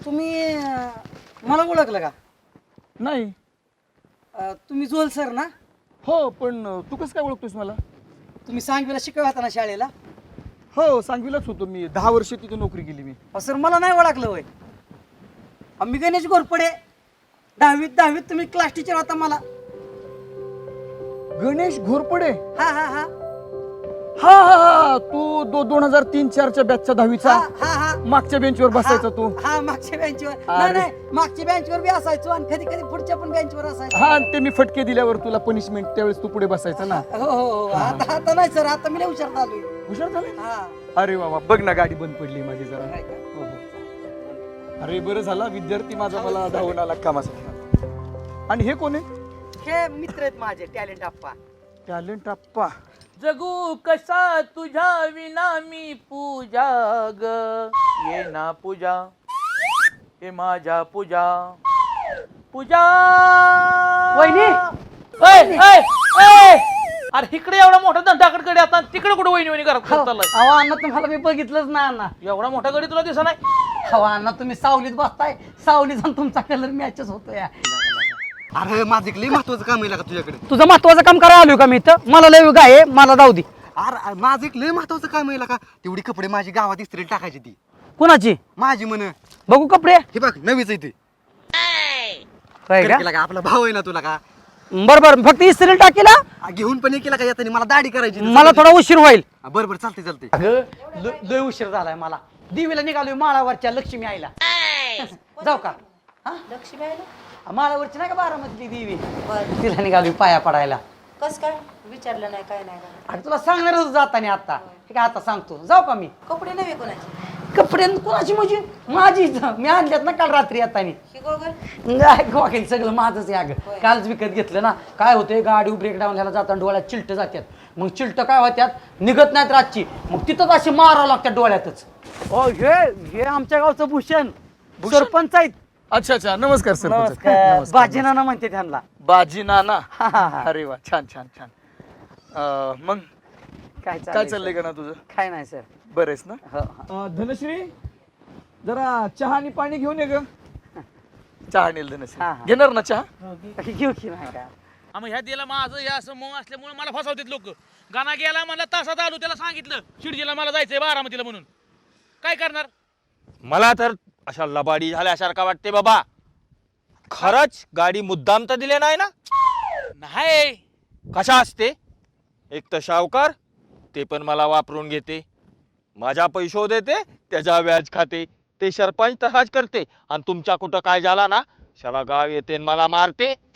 तुम्ही मला ओळखलं का? नाही. तुम्ही जोल सर ना? हो, पण तू कसं काय ओळखतोस मला? तुम्ही सांगवीला शिकवत होता ना शाळेला? हो, सांगवीलाच होतो मी. 10 वर्ष तिथे नोकरी केली मी. सर मला नाही ओळखलं होय. मी गणेश घोरपडे. 10वीत तुम्ही क्लास टीचर होता मला. गणेश घोरपडे? हा हा हा हा हा हा, तू 2003-4च्या बॅचचा 10वीचा हा हा मागच्या बेंचवर बसायचा तू. हा मागच्या बेंचवर. अरे. नाही मागच्या बेंचवर बी असायचो आणि कधी कधी पुढच्या पण बेंचवर असायचो. हा, आणि ते मी फटके दिल्यावर तुला पनिशमेंट त्यावेळेस तू पुढे बसायचा ना. हो हो हो. आता नाही सर, आता मी लय हुशार झालोय. हुशार झाले? हा. अरे बाबा, बघ ना गाडी बंद पडली माझी जरा. नाही का? हो, हो. अरे बरं झाला विद्यार्थी माझा मला धावून आला कामासाठी. आणि हे कोण आहे? हे मित्र आहेत माझे, टॅलेंट आप्पा. टॅलेंट आप्पा. जगू कसा तुझ्या विना मी पूजा ग ये ना पूजा हे माझ्या पूजा पूजा वहिनी! अरे इकडे एवढा मोठा धंटाकडे आता तिकडे कुठे वहिनी वहिनी करत चाललाय? अहो अण्णा, तुम्हाला मी बघितलंच ना अण्णा. एवढा मोठा गडी तुला दिसा नाही? अहो अण्णा, तुम्ही सावलीत बसताय, सावलीत जाऊन तुमचा कलर मॅचच होतोय. अरे माझं एक लय महत्वाचं काम आहे का तुझ्याकडे. तुझं महत्वाचं काम करायला आलोय का मी इथं? मला लय गाय आहे, मला जाऊ दे. अरे माझं एक लय महत्वाचं काम आहे का. तेवढी कपडे माझी गावात इस्त्रीला टाकायची ती कुणाची? माझी म्हण. बघू कपडे. हे बघ नवीच आहे ते. होय का? केला का आपला भाऊ आहे ना तुला का. बरोबर, फक्त इस्त्री टाकीला घेऊन पण ये केला का येताना मला दाढी करायची. मला थोडा उशीर होईल. बरं बरं चालते चालते. अगं लय उशीर झालाय मला. दिवीला निघालोय माळावरच्या लक्ष्मी आईला. जाऊ का? लक्ष्मी आहे ना? माळावरची नाही का बारामतीची देवी, तिला निघालोय पाया पडायला. कस काय विचारलं नाही काय नाही का? अरे तुला सांगणारच जाताना आता. ठीक आहे, आता सांगतो. जाऊ का मी? कपडे नव्हे कोणाचे? कपडे कोणाची म्हणजे? माझीच. मी आणल्यात ना काल रात्री येताना. ही गोगल गोखेल सगळं माझंच आहे अगं. कालच विकत घेतलं ना. काय होतंय, गाडी ब्रेकडाऊन ह्याला जाताना डोळ्यात चिलट जातात. मग चिलट काय होत्यात, निघत नाहीत रातची. मग तिथंच अशी मारावं लागतात डोळ्यातच. हे आमच्या गावचं भूषण सरपंच आहेत. अच्छा अच्छा, नमस्कार सर. नमस्कार. बाजी नाना म्हणते त्यांना. बाजी नाना. हा, हा, हा. अरे वा, छान छान छान. मग काय काय चाललंय का ना तुझं? काय नाही सर. बरेच ना? हो. धनश्री, जरा चहा आणि पाणी घेऊन ये ग. चहा नेल धनश्री. हा, हा. घेणार ना चहा? घेऊ की नाही का? मग ह्या दिला माझं या असं मग असल्यामुळे मला फसवतात लोक. गाणा गेला म्हणला तासात आलो, त्याला सांगितलं शिर्जीला मला जायचंय बारामतीला म्हणून. काय करणार? मला तर अशा लबाडी झाल्यासारखा वाटते बाबा. खरंच गाडी मुद्दाम तर दिले नाही ना? नाही. कशा असते? एक तर सावकार, ते पण मला वापरून घेते, माझ्या पैसे देते, त्याचा व्याज खाते. ते सरपंच तसाच करते. आणि तुमच्या कुठं काय झाला ना, सारा गाव येते मला मारते.